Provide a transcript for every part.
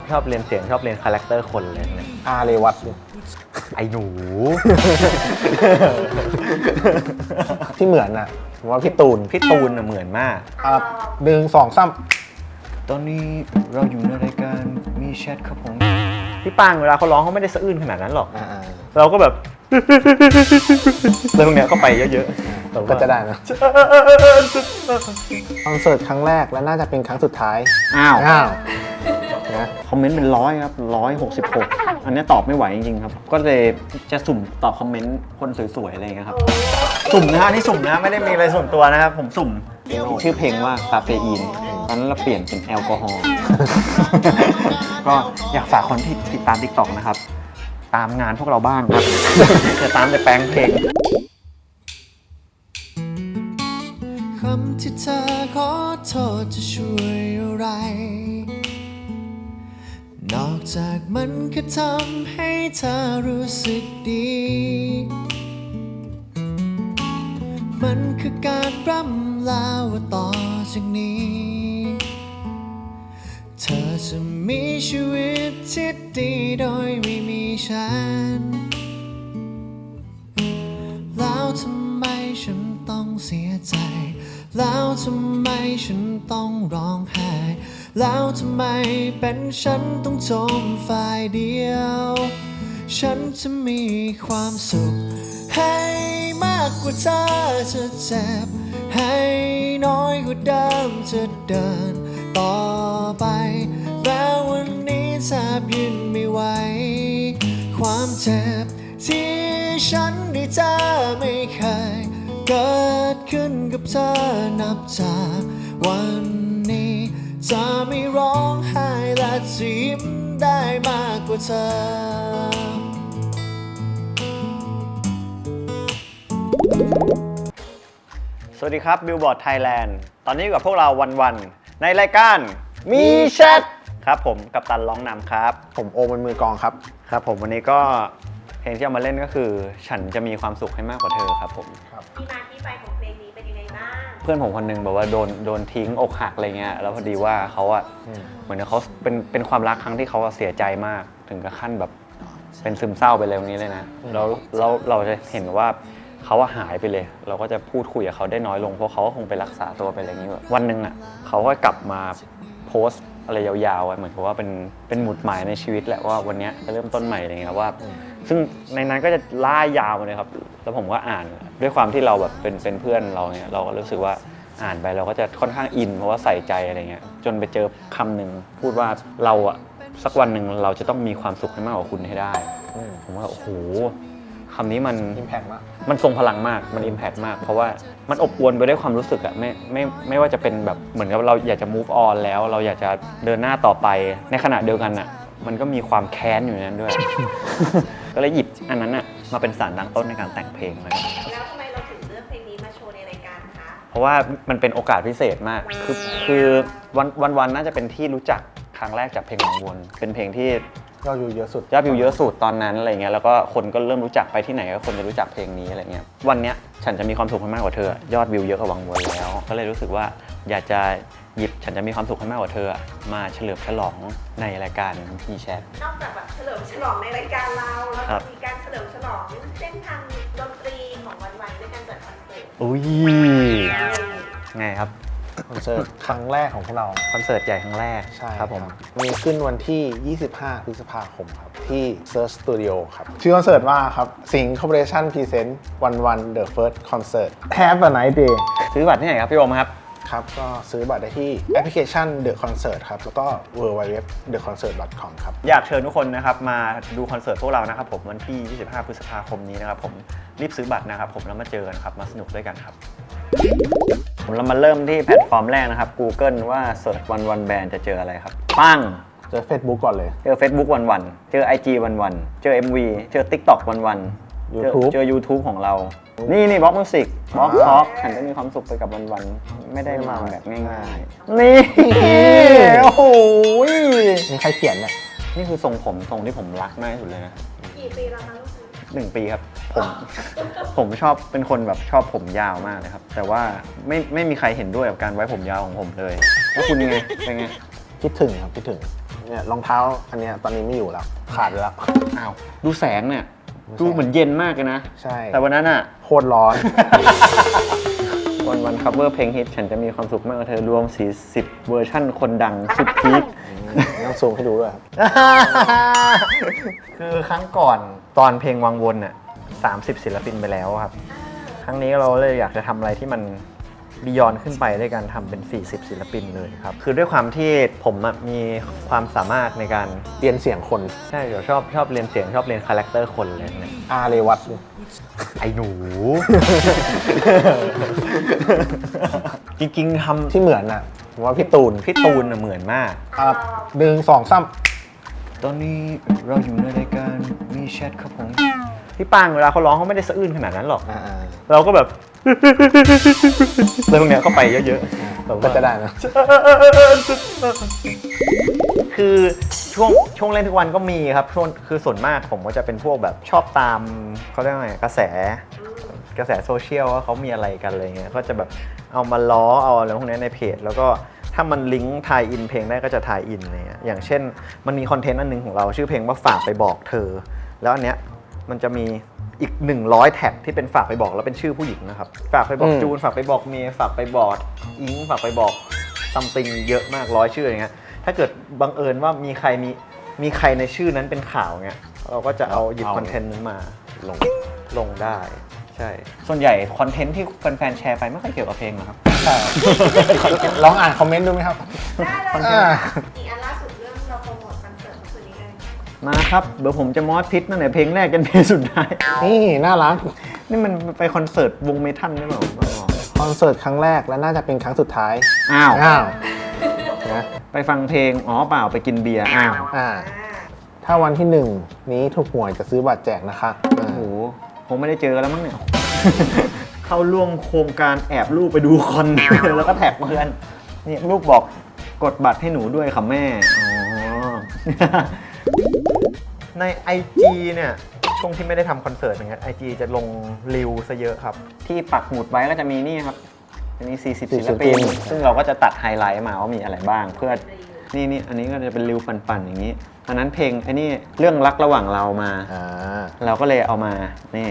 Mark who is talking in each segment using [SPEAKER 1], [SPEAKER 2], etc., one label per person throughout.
[SPEAKER 1] ชอบเรียนเสียงชอบเรียนคาแรคเตอร์คนเลยเนี่ย
[SPEAKER 2] อาเรวัต
[SPEAKER 1] ไอ้หนู
[SPEAKER 2] ที่เหมือนน่ะผมว่าพี่ตูน
[SPEAKER 1] พี่ตูนเหมือนมาก
[SPEAKER 2] 1 2 3
[SPEAKER 1] ตอนนี้เราอยู่ในรายการมีแชทครับผมพี่ปางเวลาเขาร้องเขาไม่ได้สะอื้นขนาดนั้นหรอกเราก็แบบ เรื่องเนี้ยก็ไปเยอะๆ
[SPEAKER 2] ก็จะได้นะคอนเสิร์ตครั้งแรกและน่าจะเป็นครั้งสุดท้าย
[SPEAKER 1] อ้าว
[SPEAKER 2] นะ
[SPEAKER 1] คอมเมนต์เป็น100ครับ166อันนี้ตอบไม่ไหวจริงๆครับก็เลยจะสุ่มตอบคอมเมนต์คนสวยๆอะไรอย่างเงี้ยครับสุ่มนะอันนี้สุ่มนะไม่ได้มีอะไรส่วนตัวนะครับผมสุ่มชื่อเพลงว่าคาเฟอีนตอนนั้นเราเปลี่ยนเป็นแอลกอฮอล์ ก็อยากฝากคนที่ติดตาม TikTok นะครับตามงานพวกเราบ้างครับ จะตามแต่แปลงเพลง
[SPEAKER 3] คำที่เธอขอโทษจะช่วยอะไรนอกจากมันแค่ทำให้เธอรู้สึกดี มันคือการร่ำลาว่าต่อจากนี้ เธอจะมีชีวิตที่ดีโดยไม่มีฉัน แล้วทำไมฉันต้องเสียใจ แล้วทำไมฉันต้องร้องไห้ แล้วทำไมเป็นฉันต้องจมฝ่ายเดียว ฉันจะมีความสุขให้มากกว่าเธอจะเจ็บให้น้อยกว่าเดิมจะเดินต่อไปแล้ววันนี้แทบยืนไม่ไหวความเจ็บที่ฉันได้เจอไม่เคยเกิดขึ้นกับเธอนับจากวันนี้จะไม่ร้องไห้และยิ้มได้มากกว่าเธอ
[SPEAKER 1] สวัสดีครับบิลบอร์ดไทยแลนด์ตอนนี้อยู่กับพวกเราวันๆในรายการมีแชทครับผมกัปตันร้องนำครับ
[SPEAKER 2] ผมโอมเป็นมือกลองครับ
[SPEAKER 1] ครับผมวันนี้ก็เพลงที่เอามาเล่นก็คือฉันจะมีความสุขให้มากกว่าเธอครับผม
[SPEAKER 4] ที่มาที่ไปของเพลงนี้เป็นยังไงบ้าง
[SPEAKER 1] เพื่อนผมคนนึงบอกว่าโดนทิ้งอกหักอะไรเงี้ยแล้วพอดีว่าเขาอะเหมือนเขาเป็นความรักครั้งที่เขาเสียใจมากถึงกับขั้นแบบเป็นซึมเศร้าไปเลยตรงนี้เลยนะแล้วเราจะเห็นว่าเขาหายไปเลยเราก็จะพูดคุยกับเขาได้น้อยลงเพราะเขาก็คงไปรักษาตัวไปอะไรอย่างนี้แบบวันหนึ่งอะเขาก็กลับมาโพสต์อะไรยาวๆเหมือนกับว่าเป็นหมุดหมายในชีวิตแหละว่าวันนี้จะเริ่มต้นใหม่อะไรเงี้ยว่าซึ่งในนั้นก็จะล่ายาวเลยครับแล้วผมก็อ่านด้วยความที่เราแบบเป็นเพื่อนเราเนี่ยเราก็รู้สึกว่าอ่านไปเราก็จะค่อนข้างอินเพราะว่าใส่ใจอะไรเงี้ยจนไปเจอคำหนึ่งพูดว่าเราอะสักวันหนึ่งเราจะต้องมีความสุขให้มากกว่าคุณให้ได้ผมว่าโอ้โหคำนี้มัน
[SPEAKER 2] Impact มาก
[SPEAKER 1] มันทรงพลังมากมัน impact มากเพราะว่ามันอบอวลไปด้วยความรู้สึกอะไม่ว่าจะเป็นแบบเหมือนกับเราอยากจะ move on แล้วเราอยากจะเดินหน้าต่อไปในขณะเดียวกันอะมันก็มีความแค้นอยู่ในนั้นด้วย ก็เลยหยิบอันนั้นอะมาเป็นสารตั้งต้นในการแต่งเพลงเลย
[SPEAKER 4] แล้วทำไมเราถึงเลือกเพลงนี้มาโชว์ในรายการคะ
[SPEAKER 1] เพราะว่ามันเป็นโอกาสพิเศษมากคือวันน่าจะเป็นที่รู้จักครั้งแรกจากเพลงวังวนเป็นเพลงที่
[SPEAKER 2] ยอดวิวเยอะสุด
[SPEAKER 1] ยอดวิวเยอะสุดตอนนั้นอะไรเงี้ยแล้วก็คนก็เริ่มรู้จักไปที่ไหนก็คนจะรู้จักเพลงนี้อะไรเงี้ยวันเนี้ยฉันจะมีความสุขให้มากกว่าเธอยอดวิวเยอะกว่าวังวนแล้วก็เลยรู้สึกว่าอยากจะหยิบฉันจะมีความสุขให้มากกว่าเธอมาเฉลิมฉลองในรายการมีแชท
[SPEAKER 4] นอกจากแบบเฉลิมฉลองในรายการเราแล้ว
[SPEAKER 1] ครับ
[SPEAKER 4] มีการเฉลิมฉลองเส้นทางดนตรีของวันๆด้วยการจัดคอนเสิร์ต
[SPEAKER 1] อุ้ยไงครับ
[SPEAKER 2] คอนเสิร์ตครั้งแรกของพวกเรา
[SPEAKER 1] คอนเสิร์ตใหญ่ครั้งแรก
[SPEAKER 2] ใช่
[SPEAKER 1] ครับผม
[SPEAKER 2] มีขึ้นวันที่ 25 พฤษภาคมครับ ที่ Search Studio ครับ ชื่อคอนเสิร์ตว่าครับ Sing Corporation Present 11 The First Concert Have a Nice Day
[SPEAKER 1] ซื้อบัตรที่ไหนครับพี่โอมครับ
[SPEAKER 2] ครับ ก็ซื้อบัตรได้ที่แอปพลิเคชัน The Concert ครับ แล้วก็ www.theconcert.com ครับ
[SPEAKER 1] อยากเชิญทุกคนนะครับมาดูคอนเสิร์ตพวกเรานะครับผมวันที่ 25 พฤษภาคมนี้นะครับผมรีบซื้อบัตรนะครับผมแล้วมาเจอกันครับมาสนุกด้วยกันครับเรามาเริ่มที่แพลตฟอร์มแรกนะครับ Google ว่าเสิร์ชวันแบนจะเจออะไรครับปั้ง
[SPEAKER 2] เจอ Facebook ก่อนเลย
[SPEAKER 1] เจอ Facebook วันเจอ IG วันเจอ MV เจอ TikTok วัน
[SPEAKER 2] YouTube
[SPEAKER 1] เจอ YouTube ของเรานี่บล็อกมิวสิกบล็อกท็อกฉันจะมีความสุขไปกับวันไม่ได้มาแบบง่ายๆนี่โอ้โห
[SPEAKER 2] มีใครเขียนเนี่ย
[SPEAKER 1] นี่คือทรงที่ผมรักมากที่สุดเลยนะ
[SPEAKER 4] กี่ปีแล้วคะลูก
[SPEAKER 1] 1 ปีครับผมชอบเป็นคนแบบชอบผมยาวมากเลยครับแต่ว่าไม่มีใครเห็นด้วยกับการไว้ผมยาวของผมเลยแล้วคุณไงเป็นไง
[SPEAKER 2] คิดถึงครับคิดถึงเนี่ยรองเท้าอันเนี้ยตอนนี้ไม่อยู่แล้ว ขาดไปแล้ว
[SPEAKER 1] อ้าวดูแสงเนี่ยดูเหมือนเย็นมากเลยนะ
[SPEAKER 2] ใช่
[SPEAKER 1] แต่วันนั้นอ่ะ
[SPEAKER 2] โคตรร้อน
[SPEAKER 1] วันคัฟเวอร์เพลงฮิตฉันจะมีความสุขมากกับเธอรวม40เวอร์ชั่นคนดังสุดพีค
[SPEAKER 2] ต้องซูมให้ดูด้วยครับ
[SPEAKER 1] คือครั้งก่อนตอนเพลงวังวนน่ะ30 ศิลปินไปแล้วครับ ครั้งนี้เราเลยอยากจะทำอะไรที่มันบียอนขึ้นไปด้วยการทำเป็น40 ศิลปินเลยครับ คือด้วยความที่ผมมีความสามารถในการ
[SPEAKER 2] เรียนเสียงคน
[SPEAKER 1] ใช่เดี๋ยวชอบเรียนเสียงชอบเรียนคาแรคเตอร์คนเลยเนี่ย
[SPEAKER 2] อาเรวัต
[SPEAKER 1] ไอ้หนู จริงๆทำ
[SPEAKER 2] ที่เหมือนน่ะผมว่าพี่ตูน
[SPEAKER 1] พี่ตูนน่ะเหมือนมาก
[SPEAKER 2] ครับ1 2 3
[SPEAKER 1] ตอนนี้เราอยู่ในรายการมีแชทครับผม พี่ปางเวลาเขาร้องเขาไม่ได้สะอื้นขนาดนั้นหรอก เราก็แบบ เรื่องเนี้ยเข้าไปเยอะๆ
[SPEAKER 2] ก็จะได้นะ
[SPEAKER 1] คือช่วงเล่นทุกวันก็มีครับช่วงคือส่วนมากผมก็จะเป็นพวกแบบชอบตามเขาเรียกว่าไงกระแสโซเชียลว่าเขามีอะไรกันอะไรเงี้ยก็จะแบบเอามาล้อเอาอะไรพวกนี้ในเพจแล้วก็ถ้ามันลิงก์ทายอินเพลงได้ก็จะทายอินอะไรเงี้ยอย่างเช่นมันมีคอนเทนต์อันนึงของเราชื่อเพลงว่าฝากไปบอกเธอแล้วอันเนี้ยมันจะมีอีก100แท็กที่เป็นฝากไปบอกแล้วเป็นชื่อผู้หญิงนะครับฝากไปบอกจูนฝากไปบอกเมย์ฝากไปบอกอิงฝากไปบอกซัมติงเยอะมาก100ชื่ออย่างเงี้ยถ้าเกิดบังเอิญว่ามีใครในชื่อนั้นเป็นข่าวเงี้ยเราก็จะเอาหยิบคอนเทนต์นั้นมาลงได้ใช่ส่วนใหญ่คอนเทนต์ที่แฟนๆแชร์ไปไม่ค่อยเกี่ยวกับเพลงหรอกครับ
[SPEAKER 2] ใช่ ลองอ่านคอมเมนต์ดูไหมครับ
[SPEAKER 4] ได้เลยอีกอันล่าสุดเรื่องเราโปรโมทคอนเสิร์ตเมื่อคืนนี้เลย
[SPEAKER 1] มาครับเดี๋ยวผมจะมอสพิษตั้งแต่เพลงแรกจนเพลงสุดท้าย
[SPEAKER 2] นี่น่ารัก
[SPEAKER 1] นี่มันไปคอนเสิร์ตวงเมทัลได้เปล่า
[SPEAKER 2] คอนเสิร์ตครั้งแรกและน่าจะเป็นครั้งสุดท้าย
[SPEAKER 1] อ้าว
[SPEAKER 2] นะ
[SPEAKER 1] ไปฟังเพลงอ๋อเปล่าไปกินเบียร์อ้าว
[SPEAKER 2] ถ้าวันที่ 1 นี้ถูกหวยจะซื้อบัตรแจกนะคะ
[SPEAKER 1] โอ้โหคงไม่ได้เจอกันแล้วมั้งเนี่ย เข้าร่วมโครงการแอบลูกไปดูคอน แล้วก็แท็กเพื่อนนี่ลูกบอกกดบัตรให้หนูด้วยค่ะแม่อ๋อ ใน IG เนี่ยช่วงที่ไม่ได้ทำคอนเสิร์ตอย่างเงี้ย IG จะลงรีวซะเยอะครับ ที่ปักหมุดไว้ก็จะมีนี่ครับจะมี40 ศิลปิน ซึ่งเราก็จะตัดไฮไลท์มาว่ามีอะไรบ้าง เพื่อนี่อันนี้ก็จะเป็นรีวปั่นๆอย่างนี้อันนั้นเพลงไอ้นี่เรื่องรักระหว่างเรามา เราก็เลยเอามานี่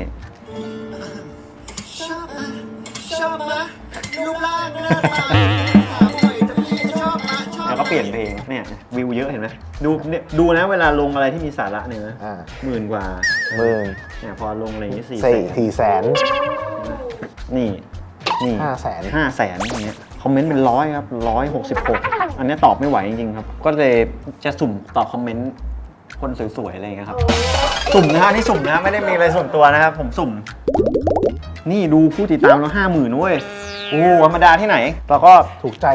[SPEAKER 1] แล้วก็เปลี่ยนเพลงเนี่ยวิวเยอะเห็นไหมดูนะเวลาลงอะไรที่มีสาระเนี่ยนะ10,000 กว่า
[SPEAKER 2] 10,000
[SPEAKER 1] เนี่ยพอลงอะไรอย่างนี้
[SPEAKER 2] 4 แสน
[SPEAKER 1] นี่
[SPEAKER 2] 5 แสน
[SPEAKER 1] อย่างเงี้ยคอมเมนต์เป็น100ครับ166อันนี้ตอบไม่ไหวจริงๆครับก็เลยจะสุ่มตอบคอมเมนต์คนสวยๆอะไรอย่างเงี้ยครับสุ่มนะฮะนี่สุ่มนะไม่ได้มีอะไรส่วนตัวนะครับผมสุ่มนี่ดูผู้ติดตามเรา50,000เว้ยโอ้ธรรมดาที่ไหนเราก็
[SPEAKER 2] ถูกใจ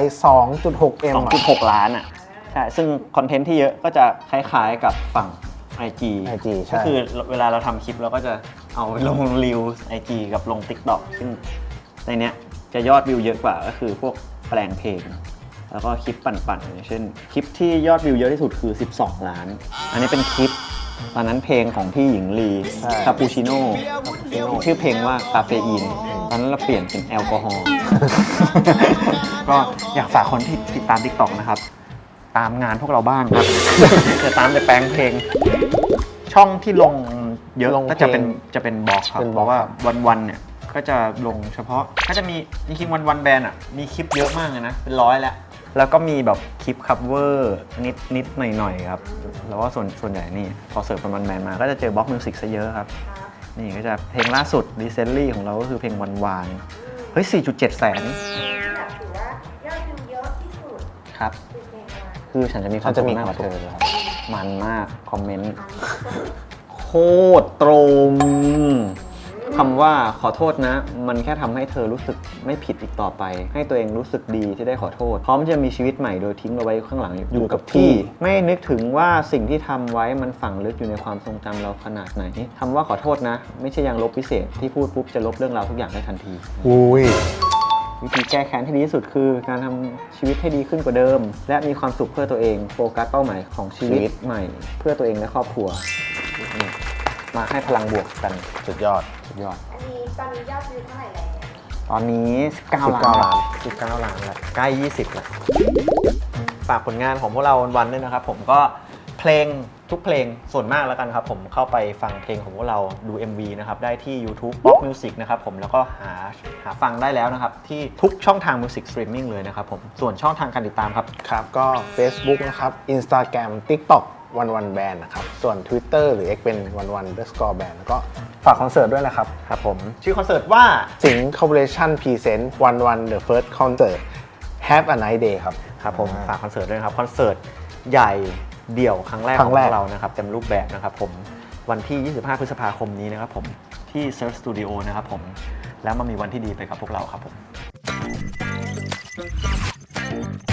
[SPEAKER 2] 2.6M
[SPEAKER 1] 2.6 ล้านอ่ะใช่ซึ่งคอนเทนต์ที่เยอะก็จะคล้ายๆกับฝั่ง IG
[SPEAKER 2] ใช่
[SPEAKER 1] ก็คือเวลาเราทำคลิปเราก็จะเอาลงรีว IG กับลง TikTok ซึ่งในเนี้ยจะยอดวิวเยอะกว่าก็คือพวกแปลงเพลงแล้วก็คลิปปั่นๆอย่างเช่นคลิปที่ยอดวิวเยอะที่สุดคือ12 ล้านอันนี้เป็นคลิปตอนนั้นเพลงของพี่หญิงลีคาปูชิโน่ชื่อเพลงว่าคาเฟอีนตอนนั้นเราเปลี่ยนเป็นแอลกอฮอล์ ก็อยากฝากคนที่ติดตาม TikTok นะครับตามงานพวกเราบ้างครับ จะตามแต่แปลงเพลงช่องที่ลงเยอะก็จะเป็นบล็อกครับเพราะว่าวันๆเนี่ยก็จะลงเฉพาะก็จะมีจริงๆวันแบนด์อ่ะมีคลิปเยอะมากเลยนะเป็น100แล้วก็มีแบบคลิปคัฟเวอร์นิดหน่อยๆครับแล้วก็ส่วนใหญ่นี่พอเสิร์ฟเป็นวันแบนด์มาก็จะเจอบล็อกมิวสิกซะเยอะครับนี่ก็จะเพลงล่าสุด recently ของเราก็คือเพลงวันเฮ้ย 4.7 แสน
[SPEAKER 4] แบบถือว่ายอดวิวเยอะที่สุด
[SPEAKER 1] ครับ
[SPEAKER 4] คือเพลงอะไร
[SPEAKER 1] คือฉันจะมีความสุขมากกว่าเธอครับมันมากคอมเมนต์โคตรตรงคำว่าขอโทษนะ มันแค่ทำให้เธอรู้สึกไม่ผิดอีกต่อไป ให้ตัวเองรู้สึกดีที่ได้ขอโทษพร้อมจะมีชีวิตใหม่โดยทิ้งเราไว้ข้างหลังอยู่กับที่ ไม่นึกถึงว่าสิ่งที่ทำไว้มันฝังลึกอยู่ในความทรงจำเราขนาดไหนคำว่าขอโทษนะ ไม่ใช่ยังลบพิเศษที่พูดปุ๊บจะลบเรื่องราวทุกอย่างได้ทันที
[SPEAKER 2] อุ้ย
[SPEAKER 1] วิธีแก้แค้นที่ดีที่สุดคือการทำชีวิตให้ดีขึ้นกว่าเดิม และมีความสุขเพื่อตัวเองโฟกัสเป้าหมายของชีวิตใหม่ เพื่อตัวเองและครอบครัวมาให้พลังบวกกัน
[SPEAKER 2] สุดยอด
[SPEAKER 4] อันนี้ตอนนี้ยอดวิวเท่าไหร่แล้ว
[SPEAKER 1] ตอนนี้19 ล้านแล้วใกล้20แล้ว
[SPEAKER 5] ฝากผลงานของพวกเราวันๆด้วยนะครับผมก็เพลงทุกเพลงส่วนมากแล้วกันครับผมเข้าไปฟังเพลงของพวกเราดู MV นะครับได้ที่ YouTube Pop Music นะครับผมแล้วก็หาฟังได้แล้วนะครับที่ทุกช่องทาง Music Streaming เลยนะครับผมส่วนช่องทางการติดตามครับ
[SPEAKER 2] ครับก็ Facebook นะครับ Instagram TikTok วันแบนนะครับส่วน Twitter หรือ X เป็นวัน_band แล้วก็ฝากคอนเสิร์ตด้วยนะครับ
[SPEAKER 5] ครับผมชื่อคอนเสิร์ตว่า
[SPEAKER 2] สิงห์ Corporation Present วัน The First Concert Have a Nice Day ครับ
[SPEAKER 5] ครับผมฝากคอนเสิร์ตด้วยนะครับคอนเสิร์ตใหญ่เดี่ยวครั้งแรกของพวกเรานะครับเต็มรูปแบบนะครับผมวันที่ 25 พฤษภาคมนี้นะครับผมที่ Surf Studio นะครับผมแล้วมามีวันที่ดีไปกับพวกเราครับผม